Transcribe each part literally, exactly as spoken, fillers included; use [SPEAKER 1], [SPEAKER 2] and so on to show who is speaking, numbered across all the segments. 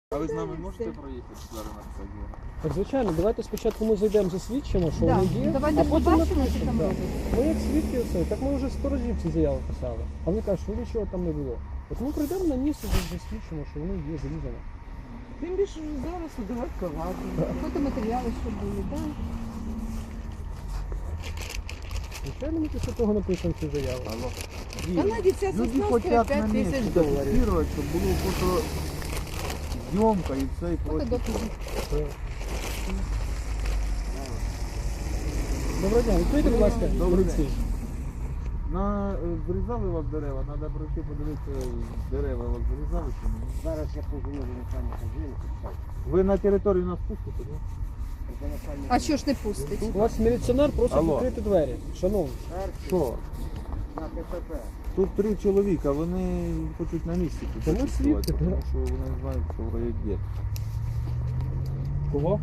[SPEAKER 1] А ви з нами можете проїхати зараз на це діло?
[SPEAKER 2] Так, звичайно, давайте спочатку ми зайдемо, засвідчимо, що
[SPEAKER 3] Да.
[SPEAKER 2] вони є,
[SPEAKER 3] Давайте
[SPEAKER 2] а потім
[SPEAKER 3] побачимо, що
[SPEAKER 2] напишемо.
[SPEAKER 3] там
[SPEAKER 2] Да.
[SPEAKER 3] робиться.
[SPEAKER 2] Ми як свідки все, так ми вже сто разів ці заяви писали. А вони кажуть, що нічого там не було. От ми прийдемо на місце, засвідчимо, що вони є зарізані.
[SPEAKER 4] Тим більше зараз удавати каваду.
[SPEAKER 3] Фотоматеріали, що були, так?
[SPEAKER 2] Звичайно, ми після того напишемо цю заяву.
[SPEAKER 1] Алло.
[SPEAKER 4] Та навіть ця
[SPEAKER 5] Люди
[SPEAKER 4] сосна
[SPEAKER 5] хочуть
[SPEAKER 4] стоїть
[SPEAKER 5] на
[SPEAKER 4] п'ять
[SPEAKER 5] місці
[SPEAKER 4] тисяч доларів.
[SPEAKER 5] зафіксувати, щоб було фото зйомка і все і прочее.
[SPEAKER 3] Фотодокази.
[SPEAKER 2] Доброго дня, відкрийте, будь ласка,
[SPEAKER 5] Добрий
[SPEAKER 2] поліції.
[SPEAKER 5] На, е, зрізали у вас дерева, треба пройти подивитися, дерева у вас зрізали чи ні?
[SPEAKER 6] Зараз я позвоню до начальника жінки.
[SPEAKER 5] Ви на територію нас пустите, так?
[SPEAKER 3] А що ж не пустить?
[SPEAKER 2] У вас міліціонер просить
[SPEAKER 5] Алло.
[SPEAKER 2] відкрити двері. Шановні.
[SPEAKER 5] Що?
[SPEAKER 6] На КПП.
[SPEAKER 5] Тут три чоловіка, вони хочуть на місці тут
[SPEAKER 2] Та ми
[SPEAKER 5] зафіксувати,
[SPEAKER 2] свідки,
[SPEAKER 5] тому
[SPEAKER 2] да.
[SPEAKER 5] що вони знають, що вроє де.
[SPEAKER 2] Кого?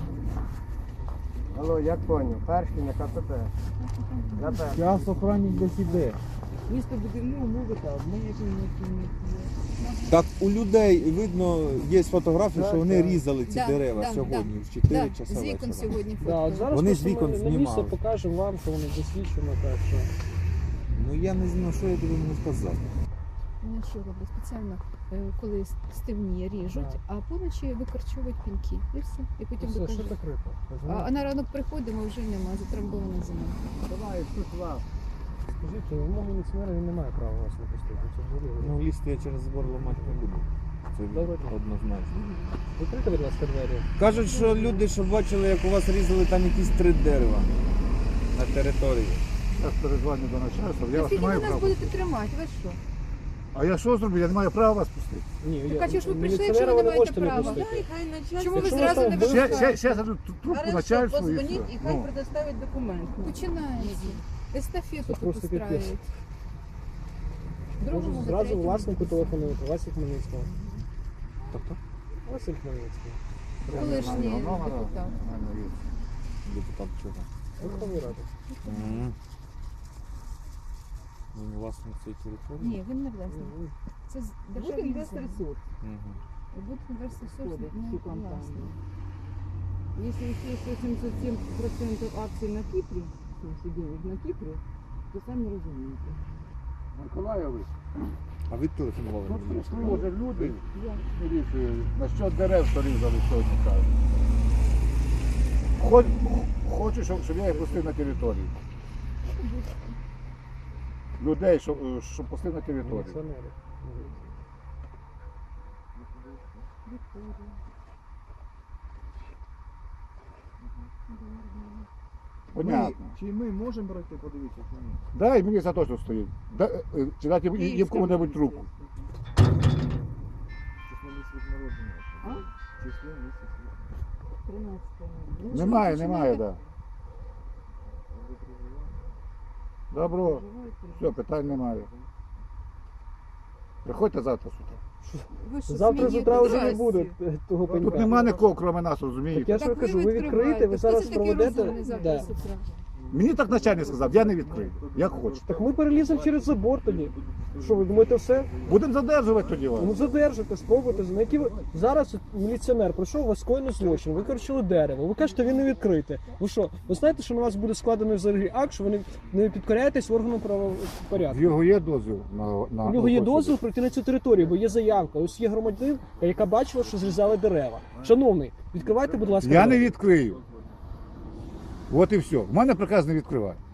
[SPEAKER 6] Алло, як поняв? Перший на КПП. На перший.
[SPEAKER 5] Зараз охранник десь іде.
[SPEAKER 4] Місто будівлі умови та одне, які не
[SPEAKER 1] Так у людей видно, є фотографії,
[SPEAKER 2] Так,
[SPEAKER 1] що вони
[SPEAKER 2] так.
[SPEAKER 1] різали ці
[SPEAKER 3] Да,
[SPEAKER 1] дерева
[SPEAKER 3] да,
[SPEAKER 1] сьогодні
[SPEAKER 3] да.
[SPEAKER 1] в чотири
[SPEAKER 3] Да,
[SPEAKER 1] часа
[SPEAKER 3] з вікон
[SPEAKER 1] вечора.
[SPEAKER 3] сьогодні
[SPEAKER 2] Да, от
[SPEAKER 3] фото.
[SPEAKER 2] зараз
[SPEAKER 1] Вони
[SPEAKER 2] просто
[SPEAKER 1] з вікон
[SPEAKER 2] ми на місце
[SPEAKER 1] знімали.
[SPEAKER 2] покажемо вам, що вони засвідчено, так що.
[SPEAKER 1] Ну я не знаю, що я тобі можу сказати.
[SPEAKER 3] Вони що роблять? Спеціально, е, коли стемніє, ріжуть,
[SPEAKER 2] Так.
[SPEAKER 3] а поночі викорчовують піньки. І все. І потім
[SPEAKER 2] Все, що
[SPEAKER 3] докажуть.
[SPEAKER 2] закрито.
[SPEAKER 3] А, а на ранок приходимо, вже нема, затрамбована земля.
[SPEAKER 6] Давай, тут вас.
[SPEAKER 2] Скажіть, вимоги міліціонера він не має права вас не пустити. Це взагалі.
[SPEAKER 1] Ну лізти я через забор ламати не буду. Це
[SPEAKER 2] Добре.
[SPEAKER 1] однозначно.
[SPEAKER 2] Відкрийте, будь ласка, двері.
[SPEAKER 1] Кажуть, що люди, що бачили, як у вас різали там якісь три дерева на території.
[SPEAKER 5] Зараз перезвоню до начальства, я вас не
[SPEAKER 3] Скільки ви
[SPEAKER 5] маю
[SPEAKER 3] нас
[SPEAKER 5] права.
[SPEAKER 3] будете тримати? Ви що?
[SPEAKER 5] А я що зроблю? Я не маю права вас пустити.
[SPEAKER 2] Ні,
[SPEAKER 3] Так, а чого ж ви прийшли,
[SPEAKER 2] міліціонера
[SPEAKER 3] якщо ви не
[SPEAKER 2] не
[SPEAKER 3] маєте
[SPEAKER 2] можете не
[SPEAKER 3] права?
[SPEAKER 2] пустити.
[SPEAKER 4] Дай, хай начальство.
[SPEAKER 3] Чому ви
[SPEAKER 2] Якщо
[SPEAKER 3] зразу
[SPEAKER 2] ви
[SPEAKER 3] не
[SPEAKER 2] там
[SPEAKER 5] Ще,
[SPEAKER 3] випускаєте?
[SPEAKER 5] ще, ще дадуть трубку
[SPEAKER 4] Хорошо,
[SPEAKER 5] начальству і
[SPEAKER 4] позвоніть
[SPEAKER 5] все.
[SPEAKER 4] і хай
[SPEAKER 5] Ну.
[SPEAKER 4] предоставить документ.
[SPEAKER 3] Починається. Естафету
[SPEAKER 2] Це
[SPEAKER 3] тут
[SPEAKER 2] просто капець.
[SPEAKER 3] устраюють.
[SPEAKER 2] Може
[SPEAKER 3] Другому,
[SPEAKER 2] зразу
[SPEAKER 3] третьому.
[SPEAKER 2] власнику телефонуєте, Васі Хмельницького.
[SPEAKER 1] Тобто
[SPEAKER 2] Василь Хмельницький.
[SPEAKER 3] Колишній
[SPEAKER 5] Номера.
[SPEAKER 3] депутат.
[SPEAKER 5] Нормально є.
[SPEAKER 1] депутат чого?
[SPEAKER 2] Верховної Ради.
[SPEAKER 1] Мгм. Він власник цієї території?
[SPEAKER 3] Ні, він не власник. Це з-
[SPEAKER 4] Буде
[SPEAKER 3] державний
[SPEAKER 4] інвестор
[SPEAKER 3] інвестор.
[SPEAKER 4] суд.
[SPEAKER 1] Мгм.
[SPEAKER 3] Буде інвестор
[SPEAKER 4] Входить
[SPEAKER 3] не
[SPEAKER 4] в цю компанію.
[SPEAKER 3] власник.
[SPEAKER 4] Если еще восемьдесят семь процентов акций на Кипре, в смысле денег на Кипре, то сами разумеете.
[SPEAKER 5] Миколайович,
[SPEAKER 1] А ви телефонували
[SPEAKER 5] тут
[SPEAKER 1] мені?
[SPEAKER 5] прийшли вже люди,
[SPEAKER 4] Я.
[SPEAKER 5] міліцію, на що дерев, що різали сьогодні кажуть. Хоч, хочу, щоб, щоб я їх пустив на територію. Людей, щоб, е, щоб пустив на територію.
[SPEAKER 2] Міліціонери.
[SPEAKER 5] Понятно.
[SPEAKER 7] Чи ми можемо пройти, подивитися, чи ні?
[SPEAKER 5] Дай мені за точно стоїть. Да, е, чи дати їм- їм кому-небудь руку.
[SPEAKER 7] Число місяць народження.
[SPEAKER 4] А?
[SPEAKER 7] Число місяць народження.
[SPEAKER 4] тринадцатого.
[SPEAKER 5] Немає, немає, так. Да.
[SPEAKER 7] Ви проживаєте?
[SPEAKER 5] Добро, все, питань немає. Приходьте завтра сюди.
[SPEAKER 3] Ви що,
[SPEAKER 2] Завтра з
[SPEAKER 3] смієте?
[SPEAKER 2] утра вже не
[SPEAKER 3] Здрасте.
[SPEAKER 2] буде е, того
[SPEAKER 5] Тут
[SPEAKER 2] пенька.
[SPEAKER 5] нема нікого, крім нас,
[SPEAKER 2] Так
[SPEAKER 5] розумієте?
[SPEAKER 2] я ж
[SPEAKER 3] Так
[SPEAKER 2] вам кажу, ви відкриєте,
[SPEAKER 3] відкриваєте.
[SPEAKER 2] ви зараз
[SPEAKER 3] Хто це такий
[SPEAKER 2] проведете.
[SPEAKER 3] розумний завтра
[SPEAKER 2] Да.
[SPEAKER 3] з утра?
[SPEAKER 5] Мені так начальник сказав, я не відкрию. Як хочете.
[SPEAKER 2] Так ми переліземо через забор тоді. Що ви думаєте, все?
[SPEAKER 5] Будемо задержувати тоді вас.
[SPEAKER 2] Ну задержите, спробуйте. На які ви зараз от міліціонер прийшов, у вас скоєно злочин, ви корчили дерево. Ви кажете, він не відкрите. Ви що? Ви знаєте, що на вас буде складений взагалі акт, що ви не- не підкоряєтесь органам
[SPEAKER 5] В
[SPEAKER 2] правопорядку?
[SPEAKER 5] його є дозвіл на, на
[SPEAKER 2] У нього є
[SPEAKER 5] на
[SPEAKER 2] дозвіл пройти на цю територію, бо є заявка. Ось є громадянин, яка бачила, що зрізали дерева. Шановний, відкривайте, будь ласка.
[SPEAKER 5] Я не
[SPEAKER 2] двері.
[SPEAKER 5] відкрию. От і все. В мене приказ не відкривати.